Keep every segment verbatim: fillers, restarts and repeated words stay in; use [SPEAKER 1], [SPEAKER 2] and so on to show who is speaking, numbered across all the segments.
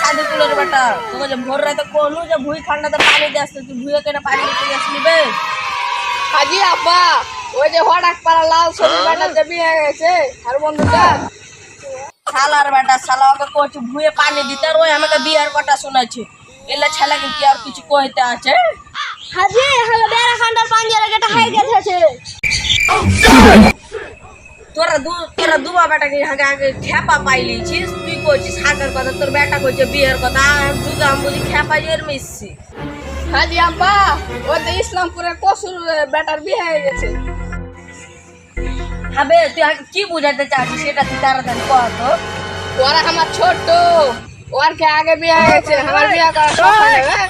[SPEAKER 1] কাঁদি তুলের বেটা তোকে যে ভোর রাতে কোনু যে ভুই ঠান্ডাতে পানি দিয়ে আসতে তুই ভুয়ে কেটে পানি দিতে আসলি বে
[SPEAKER 2] হাজি আব্বা ওই যে হঠাৎ পাড়া লাল ছবি বেটা যে বিয়ে গেছে আর বন্ধুটা
[SPEAKER 1] শালার বেটা শালা ওকে কোচ ভুয়ে পানি দিতে আর ওই আমাকে বিয়ার কথা শোনাচ্ছে এলে ছেলেকে কি আর কিছু কইতে আছে
[SPEAKER 3] হাজি হলো বেড়া খান্ডার পাঞ্জারে কেটে হাই গেছে
[SPEAKER 1] তোরা দু তোরা দুবা বেটাকে আগে আগে খেপা পাইলিছিস তুই কইছিস হাতের কথা তোর বেটা কইছে বিয়ের কথা আর দুগা আমি বুঝি খেপা এর মিশছি
[SPEAKER 2] হাজি আব্বা ওই যে ইসলামপুরের কসুর বেটার বিয়ে হয়ে গেছে
[SPEAKER 1] হবে তুই আগে কি বুঝাতে চাচ্ছিস সেটা তুই তাড়াতাড়ি কর তো
[SPEAKER 2] ওরা আমার ছোট ওর কে আগে বিয়ে হয়ে গেছে আমার বিয়ে করা শখ হয় না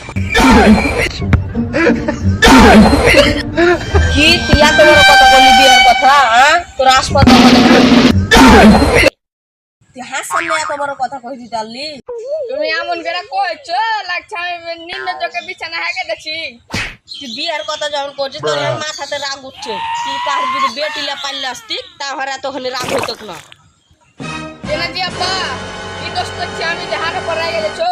[SPEAKER 1] কি তুই এত বড় কথা বলি বিয়ের কথা হ্যাঁ তোর হাসপাতাল তুই হাস সামনে এত বড় কথা কই দিতে পারলি
[SPEAKER 2] তুমি এমন করে কইছো লাগছে আমি নিম্ন চোখে বিছানা হেগে দেখছি
[SPEAKER 1] তুই বিয়ের কথা যখন করছিস তোর আমার মাথাতে রাগ উঠছে তুই কার যদি বেটিলে পারলে আসতি তাহলে এতখানি রাগ হইতো না
[SPEAKER 2] কেনা জি আব্বা কি দোষ করছি আমি যে হারে পড়ে গেছো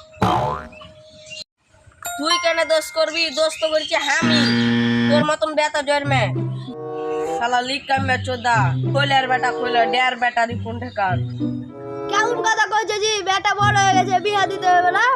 [SPEAKER 1] তুই কেন দোষ করবি দোষ তো করছি আমি তোর মতন বেটা জন্মে শালা লিক কামে চোদা কইলার বেটা কইলা ডের বেটা রিপুন ঢেকার
[SPEAKER 3] কেমন কথা কইছে জি বেটা বড় হয়ে গেছে বিয়া দিতে হবে না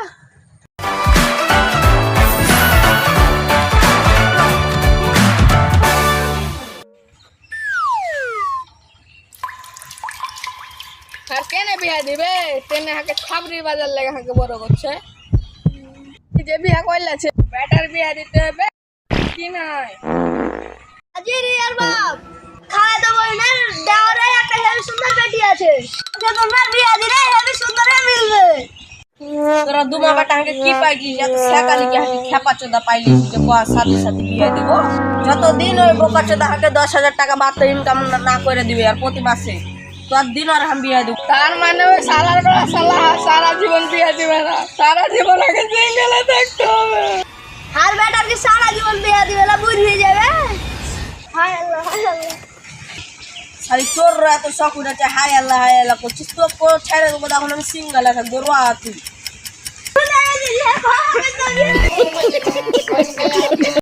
[SPEAKER 2] আর কেনে বিয়া দিবে তেনে হাকে খাবরি বাজার লেগে হাকে বড় করছে যে বিয়া কইলাছে বেটার বিয়া দিতে হবে কি নাই
[SPEAKER 3] হাজি রিয়ার বাপ খাওয়া তো বই না দেওয়ারে একটা হেবি সুন্দর বেটি আছে যে তোমার বিয়া দিলে হেবি সুন্দরে মিলবে
[SPEAKER 1] তোরা দুমা বেটা হাকে কি পাইছিস এত শেখালি কি হাকে খেপা চোদা পাইলিস যে কোয়া সাথে সাথে বিয়ে দিব যতদিন ওই বোকা চোদা হাকে দশ হাজার টাকা মাত্র ইনকাম না করে দিবে আর প্রতি মাসে তোর দিন আর আমি বিয়ে দিব
[SPEAKER 2] তার মানে ওই সালার বেলা সালা সারা জীবন বিয়া দিবে না সারা জীবন আগে সিঙ্গেলে থাকতে হবে
[SPEAKER 3] আর বেটার কি সারা জীবন বিয়া দিবে না বুঝ হয়ে যাবে হায় আল্লাহ হায় আল্লাহ
[SPEAKER 1] খালি তোর এত শখ উঠেছে হাই আল্লাহ হাই আল্লাহ করছিস তো ছেড়ে দেবো তখন আমি সিঙ্গেল থাকবো রোয়া তুই